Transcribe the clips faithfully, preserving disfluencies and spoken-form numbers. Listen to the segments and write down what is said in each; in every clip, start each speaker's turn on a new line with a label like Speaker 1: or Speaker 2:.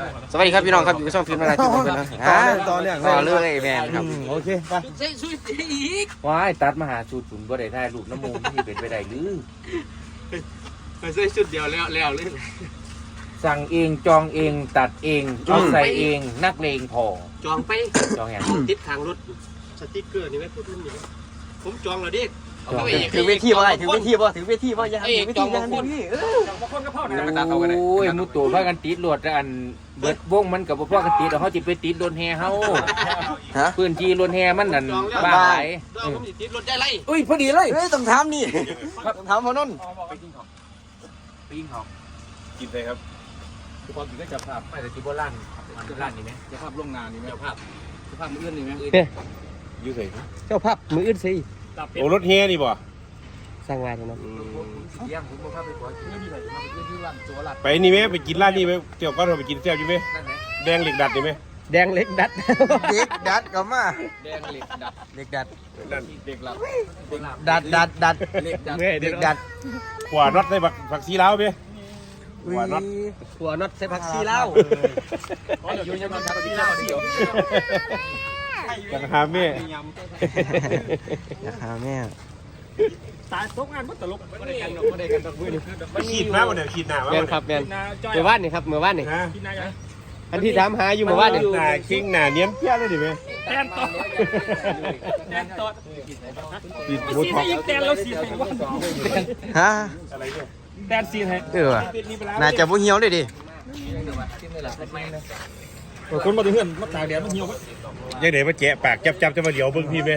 Speaker 1: สวัสดีครับพี่น้องครับอยู่ช่องฟิล์มอะไรที่ผมเป็นนะต่อเรื่องต่อเรื่องแมนครับ
Speaker 2: โอเคไป
Speaker 3: ใส่ชุดอีก
Speaker 4: ว้ายตัดมาหาชุดฝุ่นบ่ได้ถ่ายรูปน้ำมูลที่เป็นไปได้หรือ
Speaker 3: ใส่ชุดเดียวแล้วแล้วเลย
Speaker 4: สั่งเองจองเองตัดเองเอาใส่เองนักเลงพอ
Speaker 3: จองไป
Speaker 4: จองอย่าง
Speaker 3: ติดทางรถสติ๊กเกอร์นี่ไหมพูดมันนี่ผมจองแล้วดิ
Speaker 1: ถึงเวทีว่าถึงเวทีว่าถึงเวทีว่ายังถึงเวทีงานพี่
Speaker 3: จองมาคนก็พ่อนะ
Speaker 4: โอ้ยมุดตัวพากันติดรถอันเบิดวงมันกับพ่อกันติดเขาจิไปติดรถแห่เฮาพื้นที่รถแห่มันนั่นบ้าไหล
Speaker 3: ติดรถได้ไร
Speaker 1: อุ้ยพอดีเลยเฮ้ยต้องถามนี่ต้องถามพอนนท์
Speaker 4: ไปกินของไปกินของ
Speaker 2: กินเลยครับ
Speaker 4: ทุกคนกินก็จะภาพไปแต่ที่โบราณร้านนี้ไหมจะภาพโรงงานนี้ไหมจะภาพจะภาพมืออื่นนี่ไหม
Speaker 2: ยืดเลย
Speaker 1: เจ้าภาพมืออื่นสิ
Speaker 2: โอ้รถเฮียนี่บ่
Speaker 1: สร้างงานใช่ไหม
Speaker 2: ไปนี่ไหมไปกินร้านนี่ไหมเดี๋ยวก็เราไปกินแซ่บอยู่ไหมแดงเหล็กดัดนี่ไหม
Speaker 1: แดงเหล็กดัดเด็กดัดก็มา
Speaker 4: แดงเหล็กดัด
Speaker 1: เหล็กดัด
Speaker 4: เด็กหลับ
Speaker 1: ดัดดัดดัดเหล็กดัดเหล็กดัด
Speaker 2: ขวาน็อตใส่ผักชีแล้วไหม
Speaker 1: ขวาน็อตขวาน็อตใส่ผักชีแล้ว
Speaker 4: อยู่ยังมีผักชีแล้วเดียว
Speaker 2: อยากหาแม่
Speaker 1: อยากหาแม่
Speaker 3: ตายตกงานมันตลกไม่ได้กันหรอก
Speaker 2: ไม่ได้กันตกมือนี่ขีดมาวันเดียวขีดหนา
Speaker 1: แมนครับแมนเมื่อวานนี่ครับเมื่อวานนี่อันที่ถามหาอยู่เมื่อวานนี่
Speaker 2: หนาคิงหนาเนี้ยเพี้ยเลยดิไหม
Speaker 3: แตนตอดแตนตอด
Speaker 2: ขีด
Speaker 3: บูทท็อปแตนเราสีให้ว่า
Speaker 1: ฮะ
Speaker 2: อะไรเนี่ย
Speaker 3: แตนสีให้
Speaker 1: เออน่าจะบ่เหี่ยวเลยดิ
Speaker 3: คนมาดูเพื่อนมาตากแดดมันเหี่ยว
Speaker 2: ยังไหนมาแกะปากจับจับจะมาเดี๋ยวเบิ้งพี่ไหม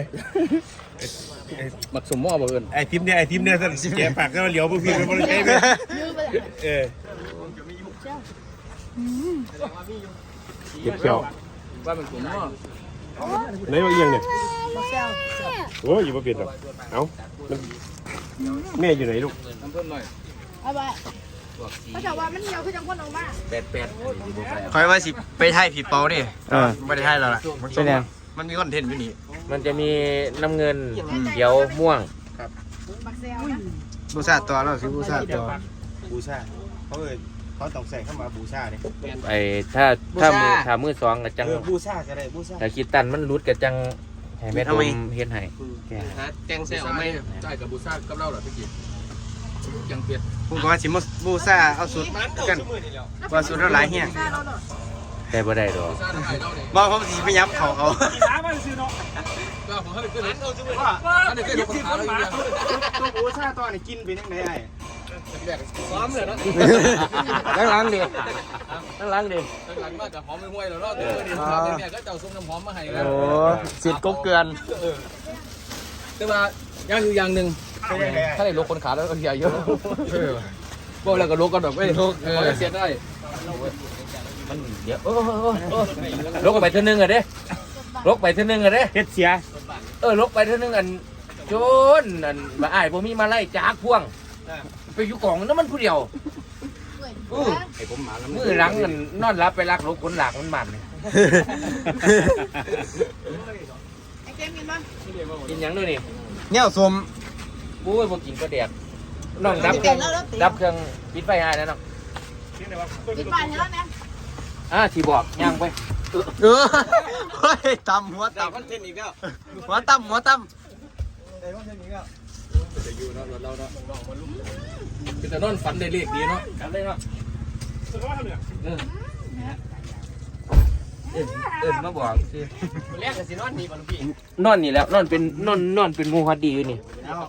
Speaker 4: บักสมหม้อบ่เอิญ
Speaker 2: ไอทิมเนี่ยไอทิมเนี่ยสั่นแกะปากก็มาเดี๋ยวเบิ้งพี่ไปบริการไหมเออเก็บเกี่ยว
Speaker 4: ว่ามันสมหม้อ
Speaker 2: ไหนมาเอียงเนี่ยโอ้ยอยู่มาเปลี่ยนหรอกเอ้าแม่อยู่ไหนลูก
Speaker 4: น้ำเพิ่มหน่อย
Speaker 5: เอาไปเขาจะว่ามันเหี่ยวคือจังคนออกมา
Speaker 4: แปดแปด
Speaker 1: คอยว่าสิไปไทยผีเปาดิเออไม่ได้ไทยแล้วล่ะเป็นยังมันมีคอนเทนต์อยู่นี่
Speaker 4: มันจะมีน้ำเงินเขียวม่วง
Speaker 1: ครับบูชาตัวเราสิบูชาตัว
Speaker 2: บูชาเขาเลยเขาต้องใส่เข้ามาบูชาเนี่ย
Speaker 4: ไอ้ถ้าถ้ามือถ้ามือสองกับจัง
Speaker 2: บูชาก็ได้บูชา
Speaker 4: แต่คิดตันมันรุดกับจังให้แม่ทำเฮ็ดให้
Speaker 3: แจงแซวไม่ใช่กับบูชากับเราเหรอพี่กิ๊กยังเปลี่ยน
Speaker 1: ผมก็ว่าสิมาบูชาเอาสุดกันว่าสุดแล้วหลายเฮี้ย
Speaker 4: แต่บ่ได้ดอก
Speaker 1: บอกเขาสิไปย้ำเขาเขา
Speaker 3: น้ำมันซื้อเนาะก็ผมให้ขึ้นว่าอันนี้คือลูกค้าเลยตัวบูชาตัวนี้กินไปยังไงไอ้ซ้อมเลยนะ
Speaker 1: ล้างล้างดิล้างล้างดิ
Speaker 3: หลังมาจะหอมไม่ห่วยแล้วเนาะเดี๋ยวเนี่ยก็เจ้าส้มน้ำหอมมาให้
Speaker 1: โอ้สิทธิ์กบเกลือน
Speaker 3: แต่ว่าย่างอยู่อย่างหนึ่งถ้าได้ลกคนขาแล้วก็ใหญ่เยอะบอกแล้วก็ลกกันแบบไม่ลกเขาเสียได้
Speaker 4: มันเดี๋ยวลกไปเท่านึงอ่ะเด้ลกไปเท่านึงอ่ะเด้
Speaker 1: เฮ็ดเสีย
Speaker 4: เออลกไปเท่านึงอันโจนอันมาอ้ายบ่มีมาไล่จากพ่วงไปอยู่กล่องนั้นมันผู้เดียว
Speaker 3: ไอ้ผมหมาแล้ว
Speaker 4: มือหลังมันนอนรับไปรักลกคนหลักมันมัน
Speaker 5: ไอ้เกมกินมั้ย
Speaker 4: กินยังด้วยนี่
Speaker 1: เนี่ยสม
Speaker 4: ปุ้ยพวกกินก็แดดน้องดับเครื่องดับเครื่องปิดไฟให้แล้วน้อง
Speaker 5: ปิดไฟให้แล้วนะ
Speaker 4: อ่าที่บอกย่างไป
Speaker 1: เออเฮ้ยตำหัวตำหัวตำหัวตำ
Speaker 3: จะอยู่เนาะเราเนาะเป็นแต่นอนฝันได้เลขดีเนาะกันเลยเนาะ
Speaker 4: เออเออมาบอกสิ
Speaker 3: แรกก็สินอนนี่บ่ลูกพี่
Speaker 4: นอนนี่แล้วนอนเป็นนอนนอนเป็นงูฮัดดีอยู่นี่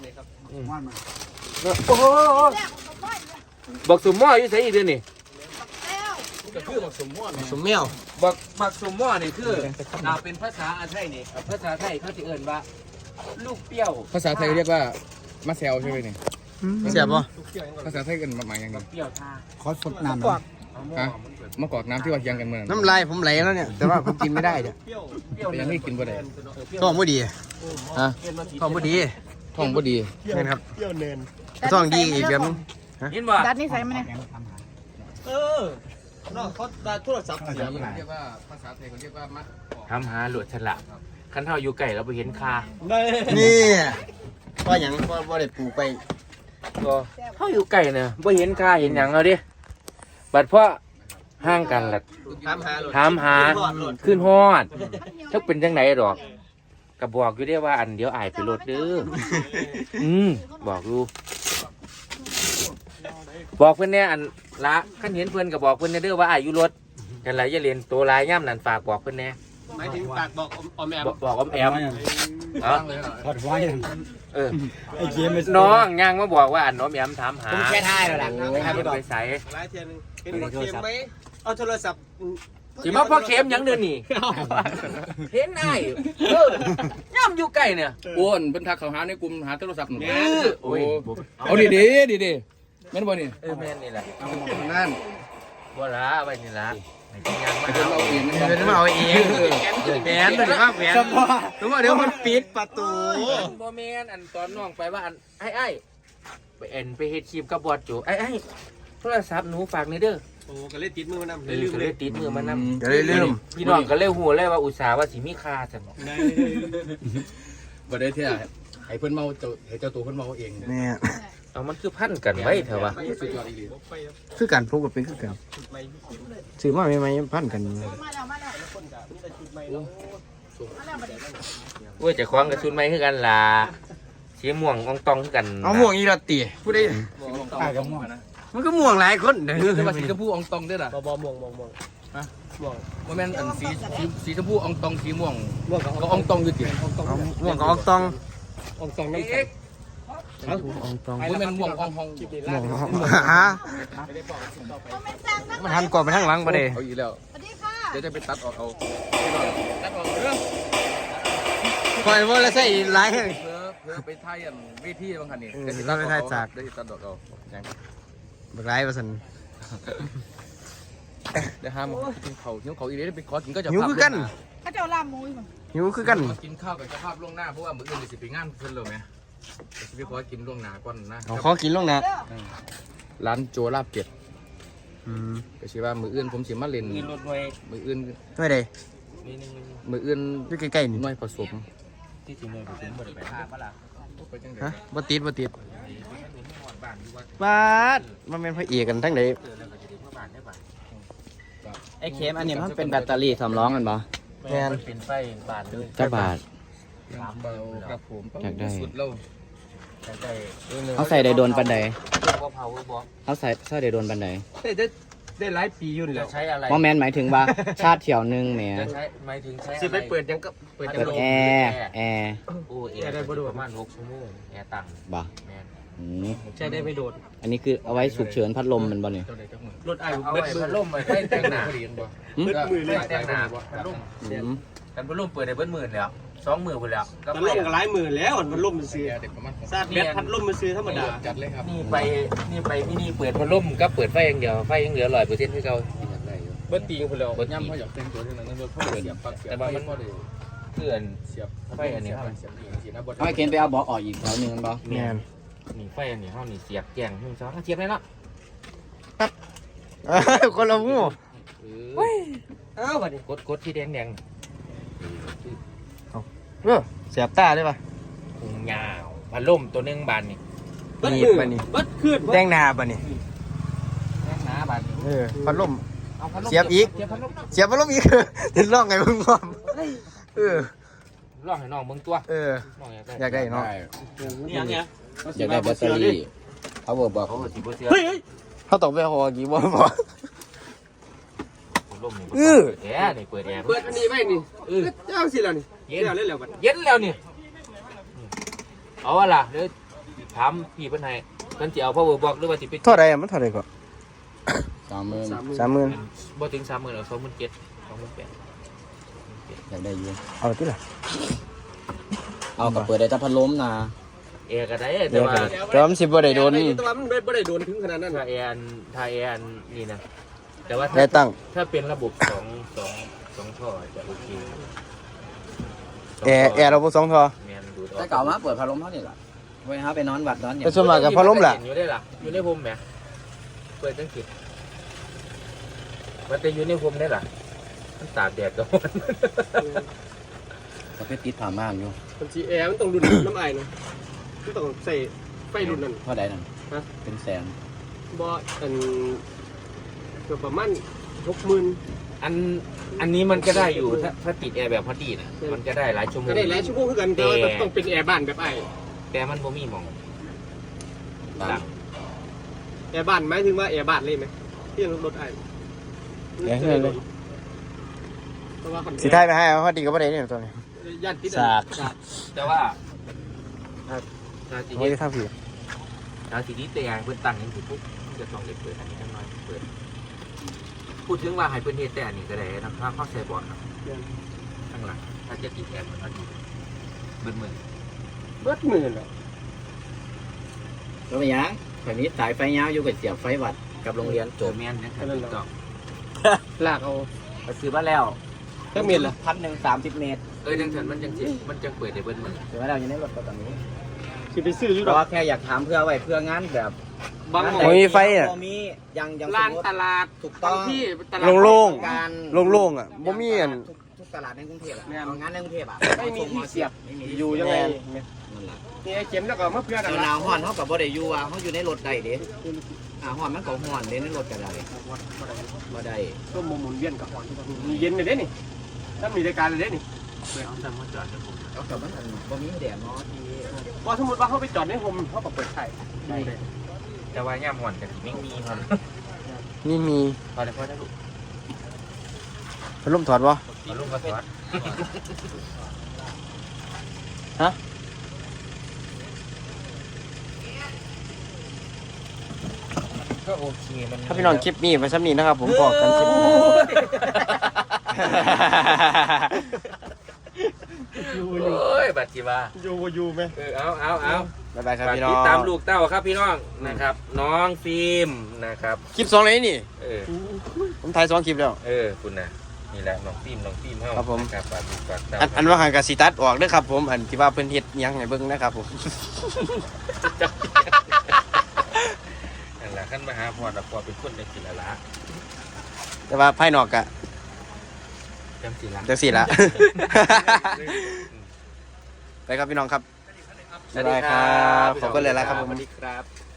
Speaker 4: โอ้โหบอกสมหม้ออยู่ไสอีกเด้อนี่
Speaker 3: ก็คือบักสมหม้อ
Speaker 1: สมแมว
Speaker 4: บักบักสมหม้อนี่คืออ่าเป็นภาษาไทยนี่ภาษาไทยเขาสิเอิ้นว่าลูกเปรี้ยว
Speaker 3: ภาษาไทยเรียกว่ามาแซวใช่ไหมนี่
Speaker 1: เสียบป่ะ
Speaker 3: ภาษาไทยกันมาหมายยังไง
Speaker 4: เปรี้ยวชา
Speaker 1: ขอสดน้ำ
Speaker 3: ฮะมะกอกน้ำที่ว่ายังกันเมือง
Speaker 1: น้ำลายผมไหลแล้วเนี่ยแต่ว่าผมกินไม่ได้เนี่ย
Speaker 3: ยังไม่กินบ่ได้
Speaker 1: ท้องบ่ดี
Speaker 3: ฮะ
Speaker 1: ท้องบ่ดี
Speaker 3: ท้องบ่ดี
Speaker 1: เห็นครับท้องดีอีกแบบนึง
Speaker 4: เห็นบ่
Speaker 5: ดัดนี่ใส่มาเนี่ย
Speaker 3: เออน้องเขาดัดโทรศัพท์เสียมันเรียกว่าภาษาไทยเขาเรียกว่ามัด
Speaker 4: ทำหาหลวดฉลาดคันเท่าอยู่ไก่เราไปเห็นคา
Speaker 1: นี่ว่าหยังว่าว่าได้ปลูกไป
Speaker 4: ก็เขาอยู่ไก่เนี่ยไปเห็นคาเห็นหยังเอาดิบัดเพราะห่างกันล่ะ
Speaker 1: ถามหา
Speaker 4: ถามหาขึ้นฮอดถ้าเป็นจังไหนดอกก็บอกอยู่ได้ว่าอันเดี๋ยวอายไปรถเด้ออืมบอกอยู่บอกเพิ่นแน่อันละคันเห็นเพิ่นก็บอกเพิ่นแน่เด้อว่าอายอยู่รถกันล่ะอย่าเล่นตัวลายย่ำนั่นฝากบอกเพิ่นแน่
Speaker 1: หมายถึงปากบอกออมแอม
Speaker 4: บอกบอกออมแอมเอ้า
Speaker 3: ถอดไว้
Speaker 4: เออน้องย่างมาบอกว่าอันออมแอมถามหา
Speaker 3: ผมแค่ท่ายแล้วล่ะ
Speaker 4: ให้ไปใส่
Speaker 1: หลายเทียนึงเป็นพ่อเข็มไหมเอาโทรศัพท์
Speaker 4: สิมาพ่อเข็มหยังเดือนนี่เห็นได้เออย่ำอยู่ใกล้เนี่ย
Speaker 6: อ้วนเป็นทักเขาหาในกลุ่มหาโทรศัพท์หนู
Speaker 4: เออโอ้ย
Speaker 6: เอาดีดีดีดีแม่นบ่นี่
Speaker 4: เออแม่นนี่แหละ
Speaker 6: นั่น
Speaker 4: บ่ละไว้นี่ละให้กินยังมา
Speaker 6: เพิ่นเอาเอง
Speaker 1: เดี๋ยวมาเอาเองแหวนหรือว่าแหวนหรือว่าเดี๋ยวมันปิดประตู
Speaker 4: บ่แม่นอันตอนน้องไปว่าอันไอ้ไอ้ไปเอ็นไปเฮ็ดคลิปกับบอสจูไอ้ไอ้โทรศัพท์หนูฝากนี่เด้อ
Speaker 1: โอ้ก็เลยติดมือมันนำ
Speaker 4: เอ
Speaker 1: เลย
Speaker 4: อ
Speaker 1: ลืม
Speaker 4: ก็
Speaker 1: เล
Speaker 4: เลย ยติดมือมานำ
Speaker 1: ก็เลยลืม
Speaker 4: พี่น้องก็เลยฮู้เลยว่าอุตส่าห์ว่าสิมีค่าซั่น
Speaker 6: บ่ได้เท่าให้เพิ่นเมาเจ้าให้เจ้าตัวเพิ่นเมาเอง
Speaker 1: เนี่ย
Speaker 4: เอามันคือพันกันไว้เถอะวะ
Speaker 6: สุดยอดอีหลี
Speaker 1: คือการพกกับเป็นคือกันซื้อมาใหม่ๆพันกัน
Speaker 5: มาแล้วมาแล้วมาแล้วมาดิ
Speaker 4: โอ้ยเจะคว้าของกับชุดใหม่คือกันล่ะสีม่วงอองตองคือกัน
Speaker 1: เอาม่วงอีละตีพูดได้
Speaker 3: ท่ายกับม่วงนะ
Speaker 1: มันก็ม่วงหลายคนเด้อ
Speaker 6: แต่ว่าสีชมพูอองตองเด้อล่ะ
Speaker 3: บ่บ่ม่วงม่วงม่วง
Speaker 6: บ่แม่นอันสีสีสีชมพูอองตองสีม่วง
Speaker 3: ม่วงกับ
Speaker 6: ก็อองตองอยู่ติ
Speaker 1: ม่วงกับออกตอง
Speaker 3: อองตองน้ำแข็ง
Speaker 1: ออกตอง
Speaker 6: บ่แม่นม่วงอองฮอง
Speaker 1: ม่วงฮะมันหันกว่าไปทางหลังบ่ได้
Speaker 6: เอาอีกแล้ว
Speaker 5: สวัสดีค่ะ
Speaker 6: เดี๋ยวจะไปตัดออกเอาตัดออกเด้อ
Speaker 1: คอยว่าแล้วใส่หลายแห่ง
Speaker 6: เพื่อเพื่อไปถ่ายอันเวทีบางคันนี่
Speaker 1: เออ
Speaker 6: เดี๋ยวสิ
Speaker 1: เราไปถ่ายจาก
Speaker 6: เดี๋ยวสิตัดออกเอายัง
Speaker 1: บักหลายว่าซั่น
Speaker 6: เดี๋ยวห้ามกินเขาวหิวเขาวอีเด้ไปขอกินก็จะ
Speaker 1: หิวคือกัน
Speaker 5: เขาจะเอาลามมุ้ยมั้ง
Speaker 1: หิวคือกัน
Speaker 6: ขอกินข้าวกับเจ้าภาพล่วงหน้าเพราะว่ามื้ออื่นสิไปงานเพิ่นเลยไหมสิไปขอกินล่วงหน้าก่อนนะ
Speaker 1: เอาขอกินลงนะ
Speaker 6: ร้านโจลาบเป็ด
Speaker 1: อืม
Speaker 6: ก็สิว่ามื้ออื่นผมสิมาเล่น
Speaker 4: มีรถหน่วย
Speaker 6: มื้ออื่น
Speaker 1: ไม่ได้
Speaker 4: มีหนึง
Speaker 6: มื้ออื่น
Speaker 1: อยู่ใกล้ๆนี่
Speaker 6: หน่วยผสม
Speaker 4: ที่สิหน่วยผสมบ่ได้ไปหาปะล่ะ
Speaker 6: ไปจังได๋
Speaker 1: ฮะบ่ติดบ่ติดบาดมันเป็นพระเอกกันทั้งใด
Speaker 3: ไอ้เข็มอันนี้มันเป็นแบตเตอรี่สำรองกันบ่
Speaker 4: แม่นเป็นไฟบานเลย
Speaker 3: จักบาท
Speaker 4: สาม
Speaker 6: เบาครับผม
Speaker 3: อยากได้
Speaker 6: สุดแล้ว
Speaker 4: แต่ใจ
Speaker 3: เขาใส่ได้โดนปันใด
Speaker 4: บ่เผาบ่
Speaker 3: เขาใส่ใส่ได้โดนปันใด
Speaker 1: ได้ได้หลายปีอยู่นี่แห
Speaker 4: จะ
Speaker 1: ละ
Speaker 4: ใช้อะไร
Speaker 3: ว่าแมนหมายถึงว่า ชาติเที่ยวหนึงแหม
Speaker 4: จะใช้หมายถึงใช้
Speaker 1: สิไปเปิดยังก็เปิด
Speaker 3: เปิดแอร์แอร์
Speaker 4: โอ้แอร์ได้ประมาณหกชั่วโมงแอร์ตั้ง
Speaker 3: บ่
Speaker 4: แม่น
Speaker 3: อืม
Speaker 1: ใช้ได้ไม่โดด
Speaker 3: อันนี้คือเอาไว้ฉุกเฉินพัดลมมันบ่เนี่ย
Speaker 6: เจ้าใดจักมื้อ
Speaker 1: รถไอ้
Speaker 4: เอา
Speaker 1: เบิ
Speaker 4: ไว้
Speaker 1: ดมื
Speaker 4: พั
Speaker 1: อ
Speaker 4: ดลมไว้ให้แต่งหน้า
Speaker 6: เรียนบ่
Speaker 3: หืม
Speaker 1: เบิดมือเลย
Speaker 4: แต่งหน้าพัดลม
Speaker 3: อืม
Speaker 4: กันพัดลมเปิดได้เบิดหมื่นแล้วสองหมื่นพุ่นแล้วก็
Speaker 1: มัน
Speaker 4: ไป
Speaker 1: ล่มกับหลายหมื่นแล้วมันล่มมันซื้อ
Speaker 6: เด็กประมาณ
Speaker 1: ซาดแบตพัดล่มมันซื้อธรรมดา
Speaker 6: จัดเลยครับ
Speaker 4: นี่ไปนี่ไปพี่นี่เปิดพัดลมก็เปิดไฟอย่างเดียวไฟยังเหลือร้อยเปอร์เซ็นต์ให้เขา
Speaker 6: อยากได้อยู่
Speaker 1: เบิดตีงพุ่นแล้ว
Speaker 6: เบิดย่ำเขาอยากแต่งตัวเท่านั้นรถเขาเสียบปลั๊กเสียบไฟพอได้
Speaker 4: เพื่อน
Speaker 6: เสียบ
Speaker 4: ไฟอันนี้ครับ
Speaker 6: เสียบอีกสินะบ่
Speaker 3: เอาไอ้เข็มไปเอาเบอกออกอีกแถวหนึงมันบ่
Speaker 1: แม่น
Speaker 4: นี่ไฟอันนี้เขานี่เสียบแจ้งหนึ่งสองเสียบได้แล้ว
Speaker 1: คนละหมู่
Speaker 4: เฮ้ย
Speaker 1: เอ้าบัดนี้
Speaker 4: กดกดที่แดงแดง
Speaker 1: เออเสียบตาได้ป่ะ
Speaker 4: พุงยาวพัดลมตัวหนึงบานนี่
Speaker 1: นี่บัดนี้
Speaker 3: บัดขึ้น
Speaker 1: แดงหน้าบัดนี้
Speaker 4: แดงหนาบานนี่
Speaker 1: เออพัดลม
Speaker 4: เอาพัดลม
Speaker 1: เสียบอีก
Speaker 4: เสียบพัดลม
Speaker 1: เสียบพัดลมอีกเห็นร้องไงมึงพร้อมเออ
Speaker 4: ลองให้น้องเบิ่งตัว
Speaker 1: เออ
Speaker 4: น้องอยาก
Speaker 1: อยากได้เนาะ
Speaker 4: นี่ยังไง
Speaker 3: อยากได้แบตเตอรี่เขาบอกบอก
Speaker 4: เขาก็สิบ่เสีย
Speaker 1: เฮ้ยเขาตกไปหอกี่บ่บ่
Speaker 4: พัดลมนี่
Speaker 1: เออ
Speaker 4: เปิดแอร์นี่เปิดแอร์
Speaker 1: เปิดอันนี้ไว้นี่เออเจ้าสิแล้วนี่
Speaker 4: เย็น
Speaker 1: เจ้าเล่นแล้วบัด
Speaker 4: เย็นแล้วนี่เอาว่าล่ะเดี๋ยวถามพี่เพิ่นให้เพิ่นสิเอา power box หรือว่าสิไป
Speaker 1: เท่าไรมันเท่าไรก็
Speaker 3: สามหมื่น
Speaker 1: สามหมื่น
Speaker 4: บ่ถึงสามหมื่นเอาสองหมื่นเจ็ดสองหมื่นแปด
Speaker 3: อยากได้อยู่
Speaker 1: เอาที่ละ
Speaker 3: เอากับเปิดได้แต่พัดลมนะ
Speaker 4: แอร์ก็ได้
Speaker 1: เดี๋
Speaker 4: แต่
Speaker 1: ยว
Speaker 4: ว่า
Speaker 1: แต่ว่ามันสิบ่ได้โดน
Speaker 7: แต่ว่ามันไม่ได้โดนถึงขนาดนั้น
Speaker 4: ถ้าแอร์อันถ้าแอร์อันนี่นะแต่ว่า
Speaker 1: ได้
Speaker 4: ถ้า
Speaker 1: ตั้ง
Speaker 4: ถ้าเป็นระบบสองสองสองท่อจะโอเค
Speaker 1: แอร์แอร์เราบ่สองทอ
Speaker 4: แมนดูดอ
Speaker 3: แต่เก่ามาเปิดพัดลมเท่านี้ล่ะเว้ยฮะไปนอนวัดนอนเนี่ย
Speaker 1: แต่ส่วนมากกับพัดลมล่ะ
Speaker 4: อยู่ได้ล่ะอยู่ในภูมิแหมเปิดตั้งคิดมันจะอยู่ในภูมิได้ล่ะมันตากแดดก็มัน
Speaker 3: ก็ไปติดผ่าม่านอยู่
Speaker 7: มันจีแอร์มันต้องรุ่น น้ำไอ้นะมันต้องใส่ไฟรุ่นนั้น
Speaker 3: เท่าใดนั่น
Speaker 7: ฮะ
Speaker 3: เป็นแสน
Speaker 7: บออันเกือบประมาณหกหมื่น
Speaker 4: อันอันนี้มันก็ได้อยู่ถ้าถ้าติดแอร์แบบพอดีนะมันก็ได้หลายชั่วโมง
Speaker 7: ก็ได้หลายชั่วโมงคือกันแต่ว่าต้องเป็นแอร์บ้านแบบไอ้
Speaker 4: แต่มันบ่มีหมองดัง
Speaker 7: แอร์บ้านหมายถึงว่าแอร์บ้านเลยไหมที่รถไอ้
Speaker 1: เดี๋ยวให้เลย
Speaker 7: เพราะว่า
Speaker 1: สิท้ายไปให้เอาพอดีก็บ่ได้เนี่ยตัวนี้
Speaker 7: ย่านติด
Speaker 1: สาก
Speaker 4: แต่ว่าถ้าถ้าสิ
Speaker 1: โอ้
Speaker 4: เฮ็
Speaker 1: ย
Speaker 4: ด
Speaker 1: ถ้าผิด
Speaker 4: ถ้าสินี้แต่เพิ่นตั้งอย่างนี้ปุ๊บมันจะต้องได้เปิดอันนี้จังน้อยเปิดพูดถึงว่าให้เพิ่นเฮ็ดแต่อันนี้ก็ได้นะถ้าเข้าใส่บอร์ดครับข้างหลังถ้าจะติดแอร์มันก็ดีเบิดมือ
Speaker 7: เบิดหมื่นอ่ะ
Speaker 8: แล้วไปยังแบบนี้สายไฟยาวอยู่กับเสียบไฟวัดกับโรงเรียน
Speaker 4: โจแม่นนะครับถูกต้อง
Speaker 7: ลากเอา
Speaker 8: ไปซื้อมาแล้ว
Speaker 7: แค่เมียนละ
Speaker 8: พันหนึ่งสามสิบเมตร
Speaker 4: เอ้ยจังซั่นมันจังสิมันจังเปิดได้เบิดมือ
Speaker 8: ซื้อมาแล้วอยู่ในรถตอนนี้
Speaker 7: สิไปซื้ออยู่
Speaker 8: เพ
Speaker 7: ดอ
Speaker 8: ราะ
Speaker 7: ก
Speaker 8: ว่าแค่อยากถามเพื่อไว้เพื่องานแบบ
Speaker 7: บาง
Speaker 8: งาน
Speaker 7: ห
Speaker 8: ห
Speaker 7: ม้
Speaker 8: น
Speaker 7: อง
Speaker 1: มีไฟอ่ะ
Speaker 8: บ่มียังยัง
Speaker 7: ร้าน
Speaker 8: สมมุ
Speaker 7: ตลาด
Speaker 8: ถูกต้อง
Speaker 7: ที่ตลาด
Speaker 1: โล่ง
Speaker 8: การ
Speaker 1: โล่งๆอ่ะบ่มีอัน
Speaker 8: ทุกทุกตลาดในกรุงเทพอ่ะ
Speaker 7: แม่น
Speaker 8: เอางานในกรุงเทพอ่ะ
Speaker 7: ไม่มีที่เสียบ
Speaker 8: ไม่มี
Speaker 7: อยู่ยังไง
Speaker 8: นั่นแหละ
Speaker 7: นี่ไอ้เข็มแล้วก็มาเพื่อน
Speaker 8: เจ้าหนาวฮ้อนเท่ากับบ่ได้อยู่อ่ะเขาอยู่ในรถได้เด้อ่าฮ้อนมันก็ฮ้อนเด้ในรถก็ได้บ่ได้
Speaker 7: ก็หมุนเวียนกับหอนมีเย็นเลยเด้นี่ถ้ามีรายการเลยเด้นี่
Speaker 8: เอากับมันอันบ่มีแดดเนาะที่
Speaker 7: ว่าสมมติว่าเขาไปจอดในโฮมเขาก็เปิดไข่
Speaker 4: แต่ว่าย่ามหอนก็สิไม่มีครับ
Speaker 1: นี่มี
Speaker 4: พอได้พอได้ลูก
Speaker 1: พัดลมถอดบ่
Speaker 4: เอาลูกมาสอน
Speaker 1: ฮะ
Speaker 4: ก็โอเคมัน
Speaker 1: ถ้าพี่น้องคลิปนี้ไปซ้ำนี้นะครับ ผมบอกกันคลิปนี้
Speaker 4: โอ้ยบัดจิว่า
Speaker 7: อยู่อยู่ไหม
Speaker 4: เออเอาเอาเอา
Speaker 1: บ๊ายบายครับ
Speaker 4: ฝาก
Speaker 1: พี่น้อ
Speaker 4: ติ
Speaker 1: ง
Speaker 4: ดตามลูกเต้าครับพี่น้องนะครับ น้องฟิล์มนะครับ
Speaker 1: คลิปสองเลยนี่
Speaker 4: เออ
Speaker 1: ผมถ่ายสองคลิปแล้ว
Speaker 4: เออคุณนะนี่แหละน้องฟิล์มน้องฟิล์มเฮา
Speaker 1: ครับผม
Speaker 4: นะครับฝากติดฝากตาม
Speaker 1: อันอันว่าหางกสิตัดออกเด้อครับผมอันที่ว่าเพิ่นเฮ็ดหยังให้เบิ่งนะครับผม
Speaker 4: นั่นแหละขั้นมาหาพอดพอเป็นคนในศิลละ
Speaker 1: แต่ว่าภายนอกก็
Speaker 4: จำศิลละ
Speaker 1: จังซี่ละ ไปครับพี่น้องครับ
Speaker 4: สวัสดีครับ
Speaker 1: ขอบคุณเลยละครับผม
Speaker 4: สวัสดีครับ